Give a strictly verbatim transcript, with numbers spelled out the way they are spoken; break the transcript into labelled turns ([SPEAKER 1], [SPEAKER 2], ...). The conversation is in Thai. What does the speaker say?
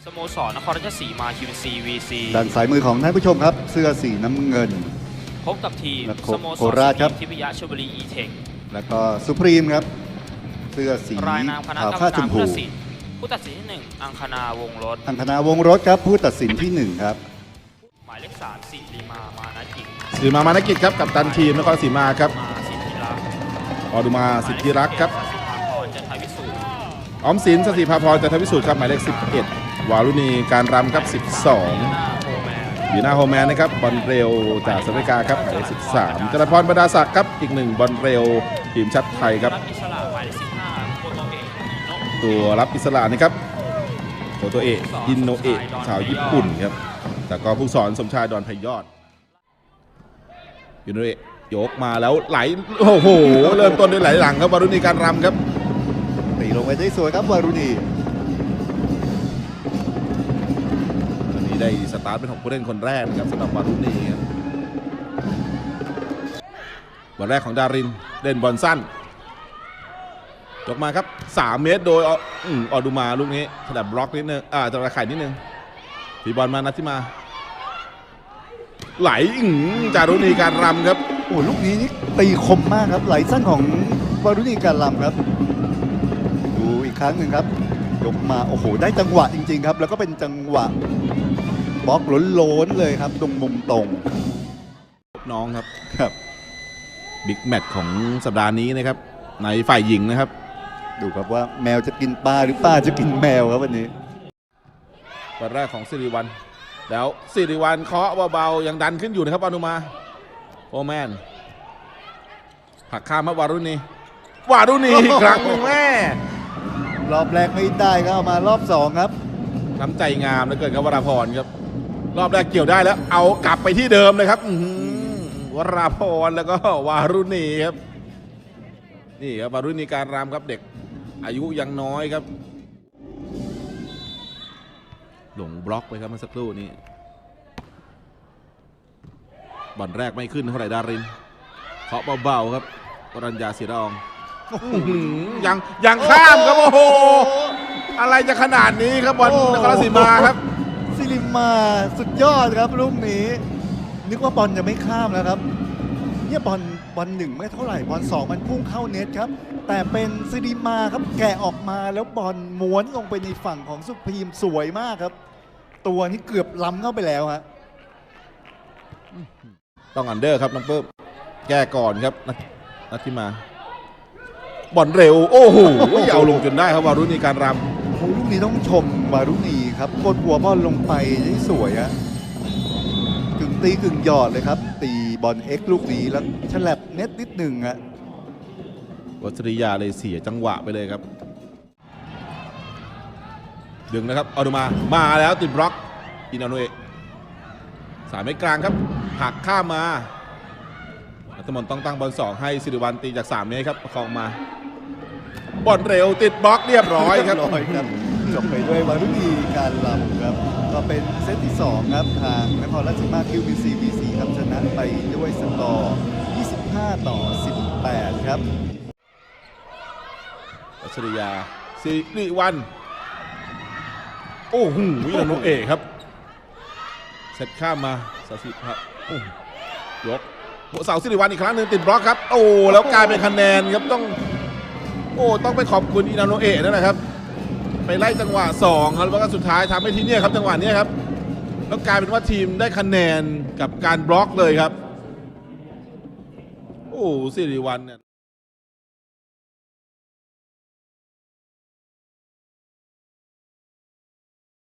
[SPEAKER 1] สโมสรนครราชสีมา คิว ซี วี ซี
[SPEAKER 2] ด้านสายมือของท่านผู้ชมครับเสื้อสีน้ำเงิน
[SPEAKER 1] พบกับทีมสโมส
[SPEAKER 2] โคราชครับ
[SPEAKER 1] ทิพยชลบุรีอีเทค
[SPEAKER 2] แล้วก็สุพรีมครับเสื้อสี
[SPEAKER 1] รายนามคณะ
[SPEAKER 2] ขาว
[SPEAKER 1] กรรม
[SPEAKER 2] ผ้าช
[SPEAKER 1] การ
[SPEAKER 2] มพู
[SPEAKER 1] ผู้ตัดสินผู้ตัดสินที่หนึ่งอังคณาวงศ์รถ
[SPEAKER 2] อังคณาวงศ์รถครับผู้ตัดสินที่หนึ่งครับ
[SPEAKER 1] หมายเลขสามสิริมามานากิจ
[SPEAKER 3] สิริมามานกิจครับกับตันทีมนครราชสีมาครับ
[SPEAKER 1] มาสิทธิรักษ์
[SPEAKER 3] ออดุมาสิทธิรักษ์ครับ
[SPEAKER 1] หมายเลขสิบเอ็ดสัสิภาพรจันทวิสูร
[SPEAKER 3] ออมสินสศิภาพรจันทวิสูตรครับหมายเลขสิบเอ็ดวารุณีการรำครับสิบสอง
[SPEAKER 1] หน้าโฮแมน
[SPEAKER 3] บีน่าโฮแมนนะครับบอลเร็วจากสหรัฐอเมริกาครับหมายเลขสิบสามจรพรบรรดาศักดิ์ครับอีกหนึ่งบอลเร็วทีมชาติไทยครับ
[SPEAKER 1] รับอิสระหมายเลขสิบห้าโคโตเอะอิโนะ
[SPEAKER 3] ตัวรับอิสระนะครับโคโตเอะอินโนเอะชาวญี่ปุ่นครับแต่ก็ผู้สอนสมชายดอนไพยอดอินโนเอะยกมาแล้วไหลโอ้โหเริ่มต้นด้วยไหลหลังครับวารุณีการรำครับ
[SPEAKER 2] ตีลงไปได้สวยครับวารุณี
[SPEAKER 3] วันนี้ได้สตาร์ทเป็นของผู้เล่นคนแรกนะครับสำหรับวารุณีครับวันแรกของดารินเล่นบอลสั้นยกมาครับสามเมตรโดยออืมออดูมาลูกนี้ถนัดบล็อกนิดนึงอ่าจะระไข่นิดนึงตีบอลมานัดที่มาไหลอืมจารุณีการรำครับ
[SPEAKER 2] โอ้ลูกนี้นี่ตีคมมากครับไหลสั้นของวารุณีการลำครับดูอีกครั้งหนึ่งครับยกมาโอ้โหได้จังหวะจริงๆครับแล้วก็เป็นจังหวะบล็อกล้นๆเลยครับตรงมุมตรง
[SPEAKER 3] น้องครับ
[SPEAKER 2] ครับ
[SPEAKER 3] บิ๊กแมตช์ของสัปดาห์นี้นะครับในฝ่ายหญิงนะครับ
[SPEAKER 2] ดูครับว่าแมวจะกินปลาหรือปลาจะกินแมวครับวันนี้
[SPEAKER 3] วันแรกของสิริวัลแล้วสิริวัลเคาะเบาๆยังดันขึ้นอยู่นะครับอนุมาโอแมนผลักข้ามมาวารุณีวารุณีอีกครั้งหนึ่งแม่
[SPEAKER 2] รอบแรกไม่ได้ก็เอามารอบสองครับ
[SPEAKER 3] น้ำใจงามเหลือเกินครับวราพรครับรอบแรกเกี่ยวได้แล้วเอากลับไปที่เดิมเลยครับอื้อหือวราพรแล้วก็วารุณีครับนี่ครับวารุณีการรำครับเด็กอายุยังน้อยครับหลงบล็อกไปครับเมื่อสักครู่นี้บอลแรกไม่ขึ้นเท่าไหร่ดารินเคาะเบาๆครับปรัญญาศิรองยังยังข้ามครับโอ้โหอะไรจะขนาดนี้ครับบอลนครราชสีมาครับ
[SPEAKER 2] ซิลิมาสุดยอดครับลูกนี้นึกว่าบอลจะไม่ข้ามแล้วครับเนี่ยบอลบอลหนึ่งไม่เท่าไหร่บอลสองมันพุ่งเข้าเน็ตครับแต่เป็นซิลิมาครับแกะออกมาแล้วบอลม้วนลงไปในฝั่งของสุพรีมสวยมากครับตัวนี้เกือบล้ำเข้าไปแล้วฮะ
[SPEAKER 3] ต้องอันเดอร์ครับน้องเปิ้มแก้ก่อนครับนัทนัทที่มาบอลเร็วโอ้โหเอาลงจนได้ครับวารุณีการรำ
[SPEAKER 2] โอ้ลูกนี้ต้องชมวารุณีครับกดหัวบอลลงไปได้สวยฮะกึ่งตีกึ่งหยอดเลยครับตีบอลเอ็กซ์ลูกนี้แล้วฉลับเน็ตนิดหนึ่งฮะ
[SPEAKER 3] วัชริยาเลยเสียจังหวะไปเลยครับดึงนะครับเอาดูมามาแล้วติดบล็อกอินาโนเอะสายไม่กลางครับหักข้ามมานัทมนต์ต้องตั้งบอลสองให้สิริวัลตีจากสามเมตรครับประคองมาบอลเร็วติดบล็อกเรียบร้อยครับ
[SPEAKER 2] เรียบร้อยครับจบไปด้วยวารุณีการลำครับก็เป็นเซตที่สองครับทางนครราชสีมา คิว บี ซี วี ซี ครับชนะไปด้วยสกอร์ยี่สิบห้าต่อสิบแปดครับ
[SPEAKER 3] วัชริยาสิริวัลโอ้โหอินาโนเอะครับเซตข้ามมาสสิครับโอ้ยกเสาสิริวัลอีกครั้งหนึ่งติดบล็อกครับโอ้แล้วกลายเป็นคะแนนครับต้องโอ้ต้องไปขอบคุณอินาโนเอะนั่นแหละครับไปไล่จังหวะสองครับแล้วก็สุดท้ายทำให้ที่นี่ครับจังหวะนี้ครับแล้วกลายเป็นว่าทีมได้คะแนนกับการบล็อกเลยครับโอ้สิริวัลเนี่ย